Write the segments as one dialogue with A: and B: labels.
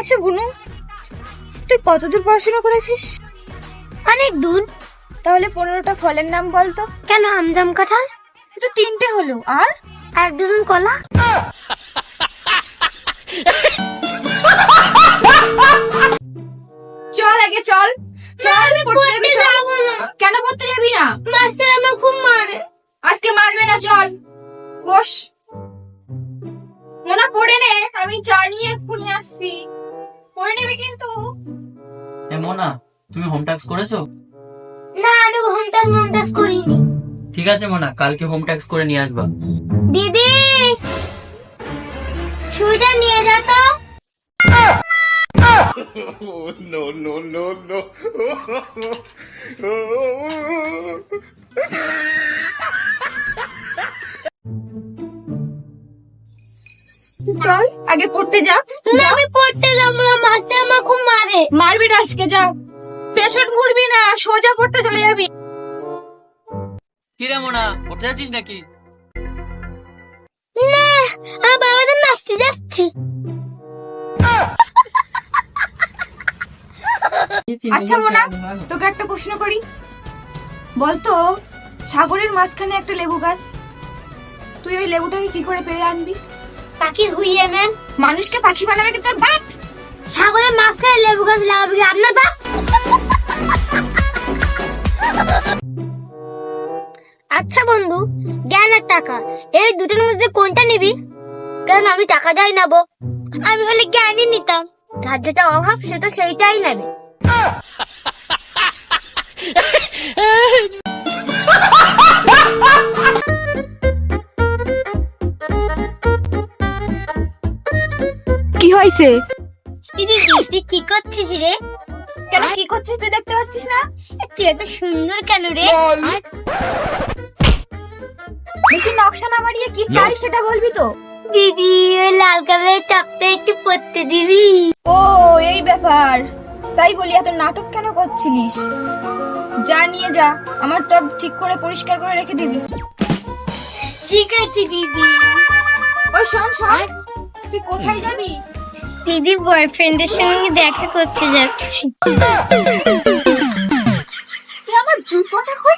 A: আচ্ছা বুনু, তুই কতদূর পড়াশোনা করেছিস?
B: অনেক দূর।
A: তাহলে 15টা ফলের নাম বলতো।
B: কেন, আম জাম কাঁঠাল?
A: তো 3টে হলো, আর
B: 1 ডজন কলা।
A: চল আগে চল।
B: আমি পড়তে যাবো না।
A: কেন পড়তে যাবি না?
B: মাস্টার আমার খুব মারে।
A: আজকে মারবে না, চল বস। মোনা পড়ে নে, আমি চা নিয়ে এক্ষুনি আসছি। পড়ে নেবে কিন্তু।
C: মোনা, তুমি হোম টাস্ক করেছো?
B: না, আমি হোম টাস্ক করিনি।
C: ঠিক আছে মোনা, কালকে হোম টাস্ক করে নিয়ে আসবা।
B: দিদি, ছুরিটা নিয়ে যা তো।
D: No, no, no, no.
A: চল আগে পড়তে যা।
B: না, আমি পড়তে যাবো না, মাস্টার আমার খুব মারে।
A: মারবি না আজকে, যা। পেছন ঘুরবি না, সোজা পড়তে চলে যাবি।
C: কি রে মোনা, পড়তে যাচ্ছিস নাকি?
B: না, আমার বাবাদের নাচতে যাচ্ছি।
A: আচ্ছা মোনা, তোকে একটা প্রশ্ন করি, বলতো সাগরের মাঝখানে একটা লেবু গাছ, তুই ওই লেবুটাকে কি করে পেরে আনবি?
B: পাখি হুইয়ে ম্যাম।
A: মানুষকে পাখি বানাবে কি তোর বাপ?
B: সাগরের মাঝখানে লেবু গাছ লাগাবে কি আপনার বাপ? আচ্ছা বন্ধু, জ্ঞান আর টাকা, এই দুটোর মধ্যে কোনটা নিবি? কেন, আমি টাকা যাই নেবো? আমি বলে জ্ঞানই নিতাম। যার যেটা অভাব সে তো সেইটাই নেবে।
A: কি হয়েছে?
B: দিদি, তুই কি করছিস রে?
A: কেন কি করছিস তুই দেখতে পাচ্ছিস না?
B: তুই এত সুন্দর কেন রে?
A: বেশি নকশা না মারিয়ে কি চাই সেটা বলবি তো।
B: দিদি, ওই লাল কালারের টপটা একটু পরতে দিবি?
A: ও এই ব্যাপার, তাই বলি এত নাটক কেন করছিলিস? যা নিয়ে যা, আমার টব ঠিক করে পরিষ্কার করে রেখে দিবি।
B: ঠিক আছে দিদি।
A: ওই শোন শোন, তুই কোথায় যাবি?
B: দিদি, বয়ফ্রেন্ডের সঙ্গে দেখা করতে যাচ্ছি।
A: তুই আমার জুতোটা কই?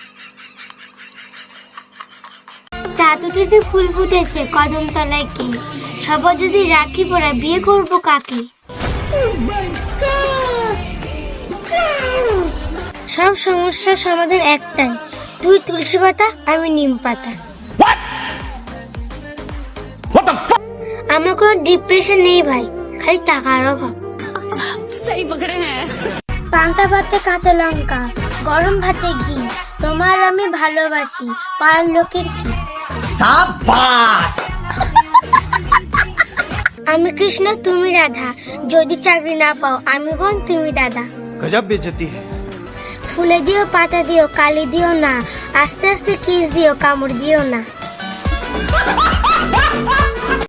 B: চাঁদ উঠেছে, ফুল ফুটেছে, কদম তলায় কে? সবার যদি রাখি পরা, বিয়ে করবো কাকে? সব সমস্যার সমাধান একটাই, তুই তুলসী পাতা, আমি নিম পাতা। আমার কোনো ডিপ্রেশন নেই ভাই, খালি টাকার অভাব। পান্তা ভাতে কাঁচা লঙ্কা, গরম ভাতে ঘি, তোমার আমি ভালোবাসি, পাড়ার লোকের কি? আমি কৃষ্ণ, তুমি রাধা, যদি চাকরি না পাও আমি বোন, তুমি দাদা।
D: गजब बेइज्जती है।
B: ফুলে দিও, পাতা দিও, কালি দিও না, আস্তে আস্তে কিস দিও, কামড় দিও না।